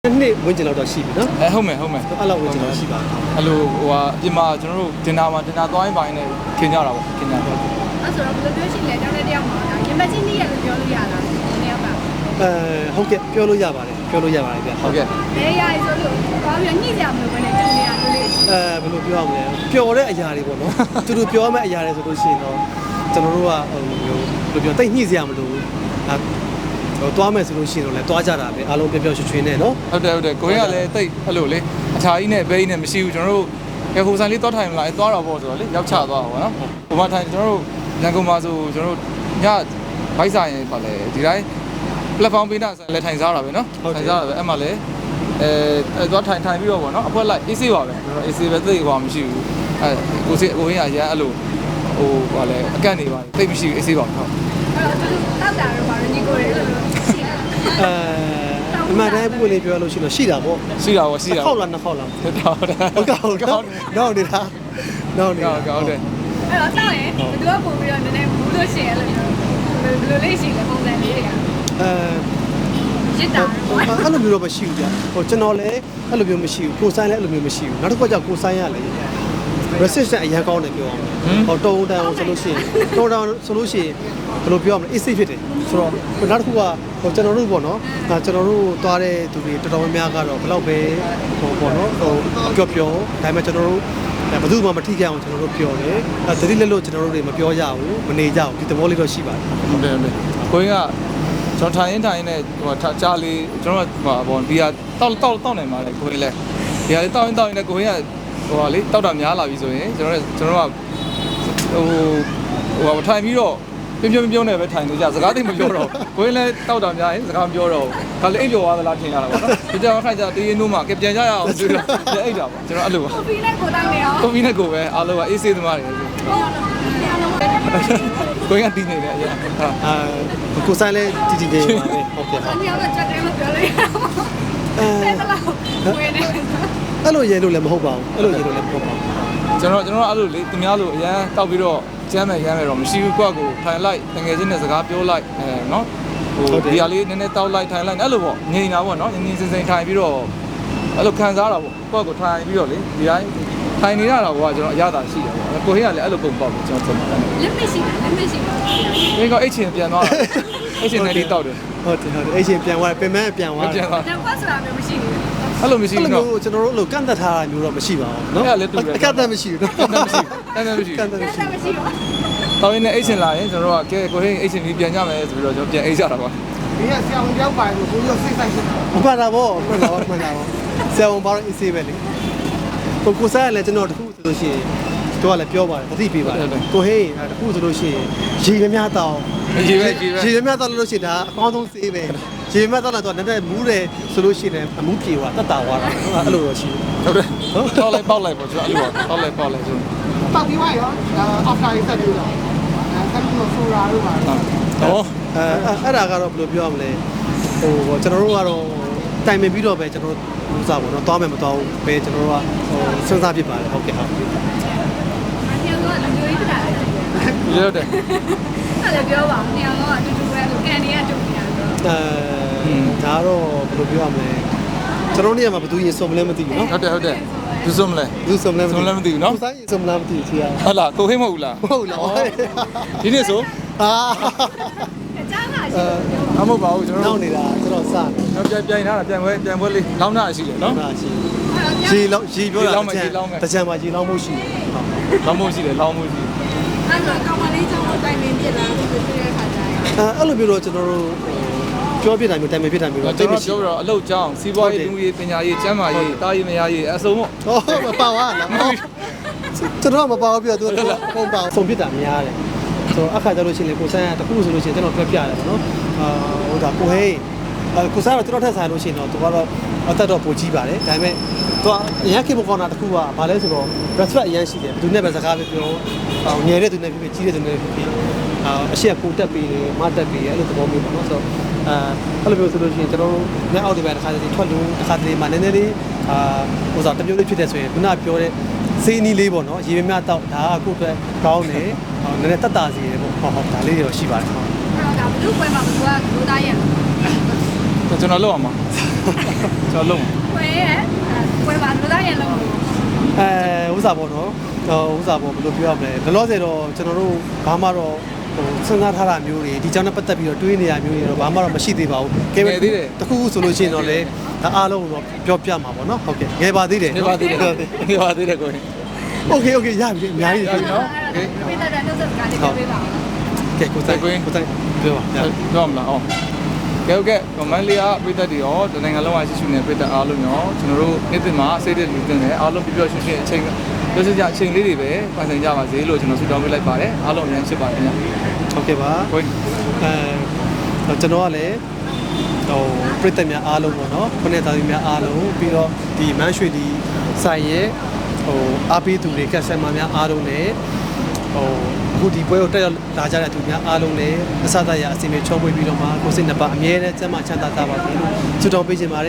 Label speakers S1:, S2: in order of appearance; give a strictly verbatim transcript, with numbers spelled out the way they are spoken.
S1: နေ့ဝင်ကျင်တော့ရှိပြီနော်
S2: အဲဟုတ်မယ်ဟုတ်မယ်
S1: အဲ့လောက်ဝင်ကျင်တော့ရှိပါ
S2: အဲ့လိုဟိုဟာအပြင်မှာကျွန်တော်တို့တင်တာမှာတင်တာသွားရင်ပိုင်းနဲ့ခင်ကြတာပေါ့ခင်ကြတော့
S3: အဲ့ဆိုတော့ဘယ်လိုပြောရှိလဲတောင်းတဲ့တယောက်မှာဒါရင်မချင်းနေရလို့ပြောလို့ရတာဒီနေ့က
S1: အဲဟုတ်ကဲ့ပြောလို့ရပါတယ်ပြောလို့ရပါတယ်ဗျ
S2: ဟုတ်ကဲ့
S3: နေရဆိုလို့သွားပြီးညှိကြမလို့ပဲနဲ့တူနေရလို့လေ
S1: အဲဘယ်လိုပြောရမလဲပျော်တဲ့အရာတွေပေါ့နော်သူတို့ပြောမဲ့အရာတွေဆိုလို့ရှိရင်တော့ကျွန်တော်တို့ကဟိုမျိုးဘယ်လိုပြောတိတ်ညှိစရာမလိုဘူးဟိုသွားမယ်ဆိုလို့ရှိရင်တော့လည်းသွားကြတာပဲအားလုံးပျော်ပျော်ရွှင်ရွှင်နဲ့နော်
S2: ဟုတ်တယ်ဟုတ်တယ်ကိုရင်းကလည်းတိတ်အဲ့လိုလေအထာကြီးနဲ့ဘဲကြီးနဲ့မရှိဘူးကျွန်တော်တို့ကဲဟိုဆိုင်လေးသွားထိုင်မလားအဲသွားတော့ပေါ့ဆိုတော့လေရောက်ချသွားပါဘောနော်ဟိုမှာထိုင်ကျွန်တော်တို့ရန်ကုန်မှာဆိုကျွန်တော်တို့ညဘိုက်ဆိုင်ရင်ပါလေဒီတိုင်း platform ပေးတာဆိုလည်းထိုင်စားတာပဲနော်ထိုင်စားတာပဲအဲ့မှာလည်းအဲသွားထိုင်ထိုင်ပြီးတော့ပေါ့နော်အဖွဲလိုက် A C ပါပဲကျွန်တော် A C ပဲသိကွာမရှိဘူးအဲကိုစီကိုရင်းကရန်အဲ့လိုဟိုပါလေအကန့်နေပါသိမရှိဘူး A C ပါဟုတ်
S3: အဲ့တော့သူတောက်တာတော့ပါရညီကိုရေလို့ရှိတာ
S1: အဲအမှန်တမ်းพูดလေးပြောလို့ရှိရင်ရှိတာပေါ့
S2: ရှိတာပေါ့ရှိတာ
S1: ခေါက်လားနှစ်ခေါက်လား
S2: ဟုတ်တယ်ဟုတ်တယ်
S1: ဟုတ်ကဲ့ဟုတ်တော့နေတာတော့နေတာ
S2: ဟုတ်တယ်
S3: အဲ့တော့တောက်ရင်ဘယ်သူကပုံပြီးတော့နည်းနည်းဘူးလို့ရှိရင်အဲ့လိုမျိုးဘယ်လိုလေးရှိလဲပုံစံလေးတွေက
S1: အဲ
S3: ရစ်တာ
S1: အဲ့လိုမျိုးတော့မရှိဘူးကြာဟိုကျွန်တော်လည်းအဲ့လိုမျိုးမရှိဘူးကိုဆိုင်လည်းအဲ့လိုမျိုးမရှိဘူးနောက်တစ်ခါကျကိုဆိုင်ရလေ resistance အရင်ကောင်းတယ်ပြောအောင်ဟိုတုံးတန်းအောင်ဆိုလို့ရှိရင်တုံးတန်းဆိုလို့ရှိရင်ဘယ်လိုပြောရမလဲ easy ဖြစ်တယ်ဆိုတော့နောက်တစ်ခုကဟိုကျွန်တော်တို့ပေါ့နော်ဒါကျွန်တော်တို့သွားတဲ့သူတွေတော်တော်များများကတော့ဘယ်လောက်ပဲဟိုပေါ့နော်ဟိုပျော်ပျော်ဒါပေမဲ့ကျွန်တော်တို့ဘယ်သူမှမထိခိုက်အောင်ကျွန်တော်တို့ပြောတယ်အဲသတိလက်လို့ကျွန်တော်တို့တွေမပြောကြဘူးမနေကြဘူးဒီသဘောလေးတော့ရှိပါတယ်
S2: ဟုတ်တယ်ဟုတ်တယ်ကိုင်းကကျွန်တော်ထိုင်ရင်ထိုင်ရင်လည်းဟိုကြားလေးကျွန်တော်ဟိုဘောဘီယာတောက်တောက်တောက်နိုင်ပါလေကိုင်းလည်းဘီယာလေးတောက်ရင်တောက်ရင်လည်းကိုင်းကဟိုဟာလေတောက်တာများလာပြီဆိုရင်ကျွန်တော်ကျွန်တော်ကဟိုဟိုထိုင်ပြီးတော့ပြင်းပြင်းပြုံးနေပဲထိုင်နေကြစကားသိမပြောတော့ကိုင်းလည်းတောက်တာများရင်စကားမပြောတော့ဘူးဒါလည်းအိပ်ပျော်သွားသလားထင်ရတာပေါ့နော်ဒီကြောင်ခိုင်ကြတေးရင်တို့မှကပြန်ကြရအောင်ဆိုတော့ပြန်အိပ်တာပေါ့ကျွန်တော်အဲ့လိုပါ
S3: ကိုဖီနဲ့ကိုတောင်းနေအောင်
S2: ကိုဖီနဲ့ကိုပဲအားလုံးကအေးဆေးသမားတွေကိုင်းကတီးနေတယ်အရင်ဟာ
S1: အာကိုဆိုင်လည်းတီတီနေပါပဲဟုတ်ကဲ့
S3: ဟုတ်။ညောင်းတော့ချက်တယ်လို့ပြောလိုက်ရအောင်။အဲဒါလောက်ဝင်နေ
S1: အဲ့လိုရဲလို့လည်းမဟုတ်ပါဘူးအဲ့လိုရဲလို့လည်းမဟုတ်ပါဘူး
S2: ကျွန်တော်ကျွန်တော်အဲ့လိုလေသူများလိုအရန်တောက်ပြီးတော့ကျမ်းမယ်ရမ်းမယ်တော့မရှိဘူးကွက်ကိုထိုင်လိုက်တငယ်ချင်းနဲ့စကားပြောလိုက်အဲနော်ဟိုဒီဟာလေးနည်းနည်းတောက်လိုက်ထိုင်လိုက်အဲ့လိုပေါ့ငြိမ်တာပေါ့နော်ငြိမ်ငြိမ်စင်စင်ထိုင်ပြီးတော့အဲ့လိုခံစားတာပေါ့ကွက်ကိုထိုင်ပြီးတော့လေဒီတိုင်းထိုင်နေရတာကကျွန်တော်အရသာရှိတယ်ပေါ့ကိုဟင်းကလည်းအဲ့လိုပုံပေါက်တယ်ကျွန်တော်သုံးပါတယ်
S3: လက်မရှိတာလက်မရှိပါဘူး
S2: ။ဒီကအိတ်ချင်ပြန်သွားတာ။အိတ်ချင်နဲ့ဒီတောက်တယ်
S1: ။ဟုတ်တယ်ဟုတ်တယ်အိတ်ချင်ပြန်သွားတယ်ပင်မပြန်သွားတယ်
S2: ။ပြန်သွား
S3: ။တော့ဆိုတာမျိုးမရှိဘူး
S2: ။အဲ့လိုမရှိဘူးနော်
S1: ။ကျွန်တော်တို့အဲ့လိုကန့်သက်ထားတာမျိုးတော့မရှိပါဘူးနော်။
S2: အဲ့လည်းတူတယ်
S1: ။ကန့်သက်မရှိဘူးနော်
S2: ။ကန့်သက်မရှိဘူး။ကန့်သက်မရှိဘူး
S1: ။ကန့်သက်မရှိဘူး
S3: ။မရှိပါဘူး
S2: ။တော်ရင်လည်းအိတ်ချင်လာရင်ကျွန်တော်တို့ကကဲကိုဟင်းအိတ်ချင်ပြီးပြန်ကြမယ်ဆိုပြီးတော့ကျွန်တော်ပြန်အိတ်ကြတာပါ
S4: ။ဒီကဆရာဝန်ရောက်ပါလို့ကိုကြီးစိတ်ဆိုင်နေတာ
S1: ။မှန်တာပေါ့မှန်တာပေါ့မှန်တာပေါ့။ဆရာဝန်ဘာလို့အေးဆေးပဲလေ။ကိုကိုစားရလဲကျွန်တော်တခုဆိုလို့ရှိရင်တော့လည်းပြောပါတယ်တတိပေးပါတယ်ကိုဟေးတခုဆိုလို့ရှိရင်ရေမများတောင်း
S2: ရေပဲရေပဲ
S1: ရေမများတောင်းလို့ရှိရင်ဒါအကောင်းဆုံးဆေးပဲရေမများတောင်းလာတော့နည်းနည်းမူးတယ်ဆိုလို့ရှိရင်အမူးပြေသွားတတ်တာသွားတာအဲ့လိုတော့ရှိ
S2: ဟုတ်တယ်တောက်လိုက်ပေါက်လိုက်ပေါ့ကျွန်တော်အဲ့လိုတောက်လိုက်ပေါက်လိုက်ဆို
S4: တောက်ပြီးသွားရောအောက်ထားရေးဆက်ပြီးတော့အဲဆက်ပြီးတော့ဆိုရာတို့ပါ
S2: ဟော
S1: အဲအဲ့ဒါကတော့ဘယ်လိုပြောရမလဲဟိုကျွန်တော်တို့ကတော့တိုင်ပင်ပြီးတော့ပဲကျွန်တော်တို့ဥစားပေါ့နော်တောင်းမယ်မတောင်းဘူးပဲကျွန်တော်တို့ကဟိုစဉ်းစားဖြစ်ပါတယ်ဟုတ်ကဲ့ဟုတ်
S2: ရုပ်တယ်
S3: အဲ့ဒါပြောပါဦးနေရာတော့အတူတူပဲလို့ကန်နေရတူနေတာဆို
S1: အဲဒါတော့ဘယ်လိုပြောရမလဲကျွန်တော်နေရာမှာဘယ်သူရင်စုံမလဲမသိဘူးနော်
S2: ဟုတ်တယ်ဟုတ်တယ်ဘူးစုံမလဲ
S1: ဘူးစုံမလဲ
S2: စုံလဲမသိဘူးနော်
S1: ဘူးဆိုင်ရင်စုံမလားမသိဘူးချီရ
S2: ဟုတ်လားကိုဟင်းမဟုတ်လား
S1: ဟုတ်လား
S2: ဒီနေ့ဆို
S1: အာ
S3: အချမ်းသာရှိတယ်
S2: အမဟုတ်ပါဘူးကျွန်တော်
S1: နောက်နေတာကျွန်တော်စတယ်
S2: တော့ပြန်ပြန်လာတာပြန်ပွဲပြန်ပွဲလေးလောင်းတာရှိတယ်နော်
S1: ရှိရေလောင်းရေပြောတာတကြံမှာရေလောင်းမှုရှိတယ်
S2: ဟုတ်လောင်းမှုရှိတယ်လောင်းမှုရှိ
S3: အဲ့တော့ကောင်မလေးကြောင့်တိုင်ပင်ပြစ်လာလို့ပြောတဲ့ခါကျရင်
S1: အဲ့လိုမျိုးတော့ကျွန်တော်တို့ပြောပြတာမျိုးတိုင်ပင်ပြတာမျိုးတော့
S2: တိတ်မရှိဘူးတော့အလုပ်ကြောင်းစီးပွားရေးလူရေးပညာရေးကျန်းမာရေးတာရေးမရရေးအစုံပေါ့
S1: ဟုတ်မပါဝါလားကျွန်တော်မပါဘူးပြတော့သူပုံပါပုံပြတာများတယ်ဆိုတော့အခါကျလို့ရှိရင်ကိုဆန်းကတခုဆိုလို့ရှိရင်ကျွန်တော်ပြပြရတယ်ပေါ့နော်အာဟိုဒါကိုဟေးကိုဆန်းကကျွန်တော်ထက်ဆိုင်လို့ရှိရင်တော့သူကတော့အသက်တော့ပိုကြီးပါတယ်ဒါပေမဲ့သူကအရင်ခေတ်ပေါ်ကောင်းတာတခုကဘာလဲဆိုတော့ respect အရင်ရှိတယ်ဘယ်သူနဲ့ပဲစကားပဲပြောငယ်တဲ့သူနဲ့ဖြစ်ဖြစ်ကြီးတဲ့သူနဲ့ဖြစ်ဖြစ်အာအရှိကကိုတက်ပြီးတယ်မတက်ပြီးတယ်အဲ့လိုသဘောမျိုးပေါ့နော်ဆိုတော့အဲအဲ့လိုမျိုးဆိုလို့ရှိရင်ကျွန်တော်တို့လက်အောက်တွေပဲတစ်ခါတည်းထွက်လို့တစ်ခါတည်းမှနည်းနည်းလေးအာဟိုစားတစ်မျိုးလေးဖြစ်တဲ့ဆိုရင်ခုနပြောတဲ့စေးနီးလေးပေါ့နော်ရေမြတ်တော့ဒါကကိုယ့်အတွက်ကောင်းတယ်ဟိုနည်းနည်းတက်တာစီတယ်ပေါ့ဟုတ်ဟုတ်ဒါလေးတွေတော့ရှိပါတယ်ဟုတ်
S3: အဲ့တော့ဒါဘလူးပွဲမှာဘလူးကလူသားရဲ့
S2: ကျွန်တော်လောက်အောင်ပါကျွန်တော်လုံး
S3: ပွဲရဲ့ပွဲပါလူသားရဲ့လုံး
S1: အဲဥစားပေါ့နော်ဟိုဥစားပေါ့ဘယ်လိုပြောရမလဲဘယ်လို့ဆိုတော့ကျွန်တော်တို့ဘာမှတော့ဟိုစဉ်းစားထားတာမျိုးတွေဒီကြောင့်နဲ့ပတ်သက်ပြီးတော့တွေးနေရမျိုးတွေတော့ဘာမှတော့မရှိသေးပါဘူးကဲတခုခုဆိုလို့ရှိရင်တော့လေဒါအားလုံးတော့ပြောပြမှာပေါ့နော်ဟုတ်ကဲ့ငယ်ပါသေးတယ်
S2: နေပါသေးတယ်နေပါသေးတယ်ကို
S1: โอเคโอเคရပြီအများကြီးရပြီနော်
S3: ပိတ္တတဲ့နှုတ်ဆက်စကားလေးပြောပေးပါဦး
S1: ကဲကိုစိုက်ကိုစိုက်ပြောပါရ
S2: တော့မလားအောင်ကဲဟုတ်ကဲ့ကွန်မန့်လေးကပြည်သက်တွေရောတနိုင်ငံလုံးမှာရှိရှိနေပြည်သက်အားလုံးရောကျွန်တော်တို့နေ့တင်မှာစိတ်တဲ့လူတင်တယ်အားလုံးပြပြရွှင်ရွှင်အချိန်ပြောစကြအချိန်လေးတွေပဲပိုင်ဆိုင်ကြပါစေလို့ကျွန်တော်ဆုတောင်းပေးလိုက်ပါတယ်အားလုံးအများကြီးဖြစ်ပါတယ်ခင်ဗျ
S1: ဟုတ်ကဲ့ပါ
S2: ကို
S1: အဲကျွန်တော်ကလည်းဟိုပြည်သက်များအားလုံးပေါ့နော်ခုနှစ်သားသမီးများအားလုံးပြီးတော့ဒီမန်းရွှေဒီဆိုင်ရဲ့ဟိုအားပေးသူတွေကက်ဆယ်မာများအားလုံးလည်းဟိုအခုဒီပွဲကိုတက်ရောက်လာကြတဲ့သူများအားလုံးလည်းအစသရအစီအမံချုံးပွေးပြီးတော့မှကိုစိတ်နှစ်ပါအမြဲတမ်းစမ်းမချမ်းသာကြပါစေလို့ဆုတောင်းပေးချင်ပါတယ်